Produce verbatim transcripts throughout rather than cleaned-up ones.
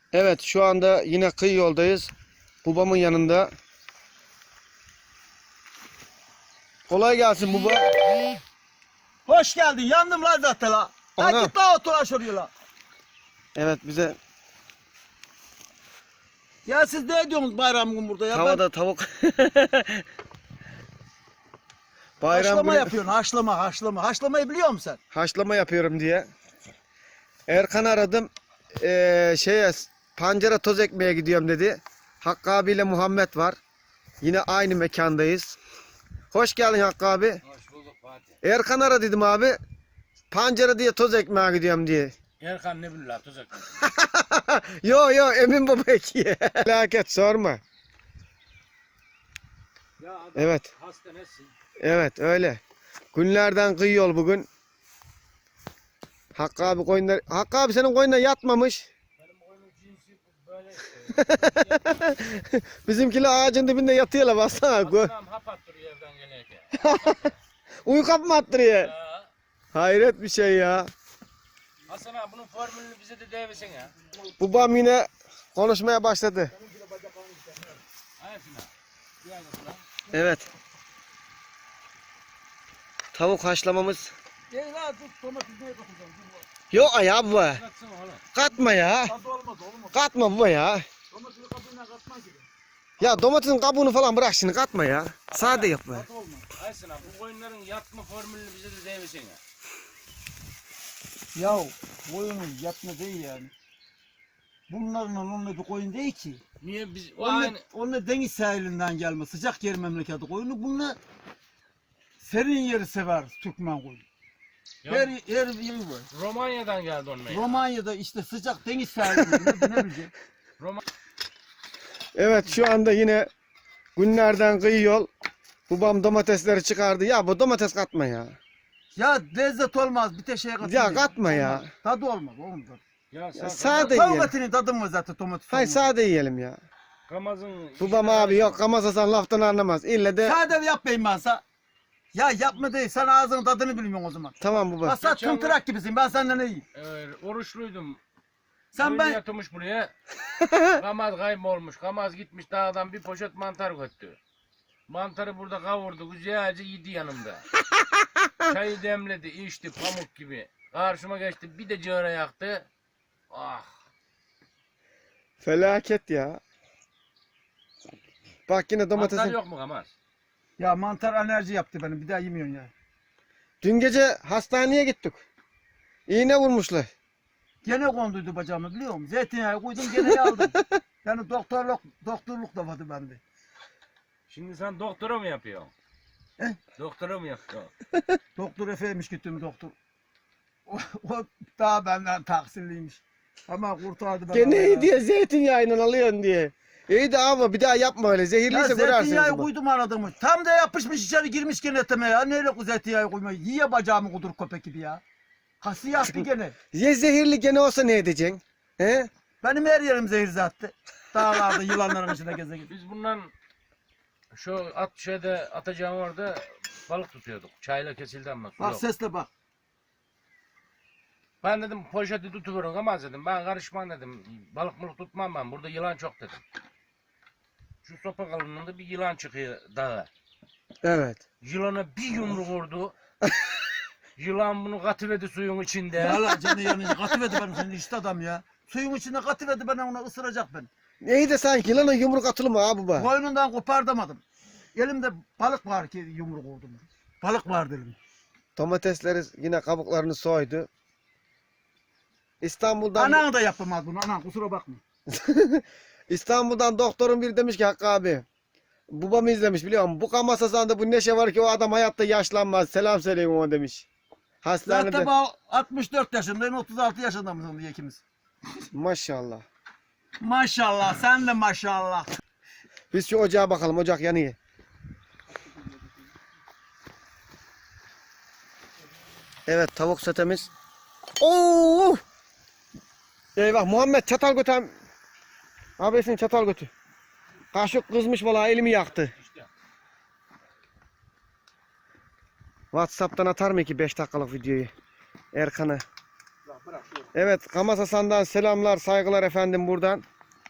Evet, şu anda yine kıyı yoldayız. Babamın yanında. Kolay gelsin baba. Hoş geldin. Yandım lan zaten la. Ana. Hadi git la otur aşağıya la. Evet, bize Ya siz ne ediyorsunuz bayram gün burada ya? tavada Ben tavuk. Bayram haşlama günü yapıyorsun. Haşlama, haşlama. Haşlamayı biliyor musun sen? haşlama yapıyorum diye. Erkan aradım. Ee, şeye pancara toz ekmeye gidiyorum dedi. Hakkı abiyle Muhammed var. Yine aynı mekandayız. Hoş geldin Hakkı abi. Hoş bulduk Fatih. Erkan ara dedim abi. Pancara diye toz ekmeye gidiyorum diye. Erkan ne billah tuzak. Yo yo Emin baba ekiye. Felaket sorma. Ya adam Evet. hasta nesin? Evet öyle. Günlerden kıyı yol bugün. Hakkı abi koyunlar. Hakkı abi senin koyunlar yatmamış. Benim oyunun cinsi böyle işte. Bizimkiler ağacın dibinde yatıyorlar baksana. Hasanam hap attırıyor evden gelirken. Uyku mı attırıyor? Ya. Hayret bir şey ya. Hasan abi bunun formülünü bize de devirsin ya. Babam yine konuşmaya başladı. Ayasın ha. Bir aynasın ha. Evet. Tavuk haşlamamız. Gel la dur domates neye katacağım? Yok ya baba. Bıraksana oğlum. Katma ya. Tadı olmaz olmaz. Katma baba ya. Domatesi kabuğuna katma gibi. Ya domatesin kabuğunu falan bırak şimdi katma ya. Sade yap be. Tadı olmaz. Ayasın abi bu koyunların yatma formülünü bize de devirsin ya. Ya koyunun yatma değil yani. Bunların onunla bir koyun değil ki. Niye biz o Onunla, aynı onunla deniz sahilinden gelme. Sıcak yer memleketi koyunu. Bununla serin yeri sever Türkmen koyunu. Ya, Her, her yeri var. Romanya'dan geldi onun ya. Romanya'da işte sıcak deniz sahilinde ne bileceğim. Roma Evet şu anda yine günlerden kıyı yol. Babam domatesleri çıkardı. Ya bu domates katma ya. Ya lezzet olmaz bir de şeye katılıyor. Ya katma ya. Olmaz. Tadı olmaz oğlum. Tadı. ya sen Ya sade Tavuk yiyelim. etinin tadı mı zaten domates? Hay olmaz. sade yiyelim ya. Kamaz'ın Babam abi yok Kamasasan laftan anlamaz. İlle de Sade yapmayayım ben sana. Ya yapma değil sen ağzının tadını bilmiyorsun o zaman. tamam baba. Bak sen Geçen tımtırak gibisin ben senden iyiyim. Ee, oruçluydum. Sen Koyun ben yatmış buraya. Kamaz kaybolmuş. Kamaz gitmiş dağdan bir poşet mantar götürdü. Mantarı burada kavurdu. Güzelce yedi yanımda. Çayı demledi, içti pamuk gibi. Karşıma geçti. Bir de cığara yaktı. Ah. Felaket ya. Bak yine Mantar domatesin. yok mu Kamaz? ya mantar alerji yaptı benim bir daha yemiyorsun ya. Dün gece hastaneye gittik. İğne vurmuşlar. Gene konduydu bacağımı biliyor musun? Zeytinyağı koydum gene aldım. Yani doktorluk doktorluk da vardı bende. Şimdi sen doktora mı yapıyorsun? He? Doktora mı yapıyorsun? Doktor Efe'ymiş gittim doktor. O, o daha benden taksirliymiş. Ama kurtardı beni. Gene iyi diye zeytinyağıyla alıyorsun diye. İyi de ama bir daha yapma öyle. Ya Zehirliyse zeytinyağı kırarsın. koydum aradığımı. Tam da yapışmış içeri girmiş gene eteme ya. Neyle bu zeytinyağı koymayı? Yiye bacağımı kudur köpek gibi ya. Hası yaptı gene. Ya zehirli gene olsa ne edeceksin? He? Benim her yerim zehir zattı. Dağlarda yılanların içinde geze geze. Biz bundan şu at şeyde atacağım orada balık tutuyorduk. Çayla kesildi ama su Bak yok. sesle bak. Ben dedim poşeti tutuverin ama dedim ben karışmam dedim. Balık mılık tutmam ben burada yılan çok dedim. Şu sopa kalınlığında bir yılan çıkıyor dağa. Evet. Yılana bir yumruk vurdu. Yılan bunu katıverdi suyun içinde. Yala canı yanınca katıverdi benim senin işte adam ya. Suyun içinde katıverdi bana ona ısıracak ben. İyi de sanki yılana yumruk atılır mı abi baba? Boynundan kopardamadım. Elimde balık var ki yumruk vurdum. Balık var dedim. Domatesleri yine kabuklarını soydu. İstanbul'dan Anan da yapamaz bunu anan kusura bakma. İstanbul'dan doktorun biri demiş ki Hakkı abi. Babamı izlemiş biliyor musun? Bu Kamasasan'da bu neşe var ki o adam hayatta yaşlanmaz. Selam söyleyin ona demiş. Hastanede. Zaten ben altmış dört yaşındayım otuz altı yaşında mısın diye ikimiz. Maşallah. Maşallah sen de maşallah. Biz şu ocağa bakalım. Ocak yanıyor. Evet tavuk setemiz. Oo! Eyvah Muhammed çatal götür. Abisin çatal götür. Kaşık kızmış vallahi elimi yaktı. İşte. WhatsApp'tan atar mı ki beş dakikalık videoyu? Erkan'a. Bırak şöyle. Evet, Kamaz Hasan'dan selamlar, saygılar efendim buradan.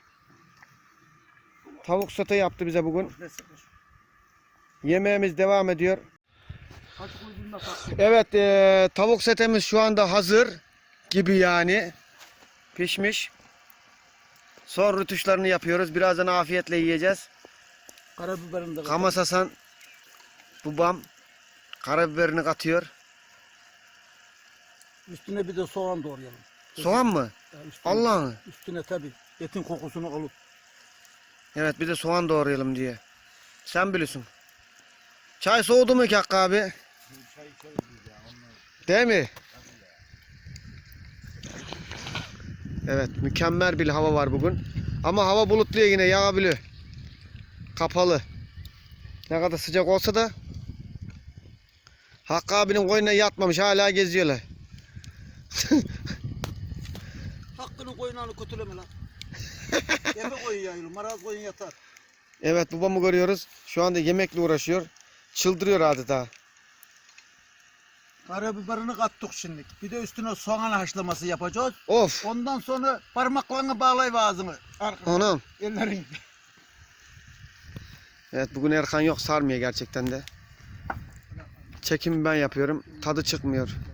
Tavuk sote yaptı bize bugün. Ne sıkmış? Yemeğimiz devam ediyor. Kaç kuyruğunda kalktı? Evet, eee, tavuk setemiz şu anda hazır gibi yani. Pişmiş. Son rütuşlarını yapıyoruz. Birazdan afiyetle yiyeceğiz. Karabiberini de Kamaz Hasan babam karabiberini katıyor. Üstüne bir de soğan doğrayalım. Soğan mı? Ya üstüne, Allah'ım. Üstüne tabi. Etin kokusunu alıp. Evet, bir de soğan doğrayalım diye. Sen bilirsin. Çay soğudu mu ki Hakkı abi? Değil mi? Evet, mükemmel bir hava var bugün. Ama hava bulutlu yine, yağabiliyor. Kapalı. Ne kadar sıcak olsa da Hakkı abinin koyununa yatmamış, hala geziyorlar. Hakkının koyunlarını kötüleme lan. Eve koyun yayılır. Maraz koyun yatar. Evet, babamı görüyoruz. Şu anda yemekle uğraşıyor. Çıldırıyor adeta. Karabiberini kattık şimdi. Bir de üstüne soğan haşlaması yapacağız. Of! Ondan sonra parmaklarını bağlayıp ağzını. Arkana. Anam. Ellerin. Evet, bugün Erkan yok, sarmıyor gerçekten de. Çekimi ben yapıyorum. Tadı çıkmıyor.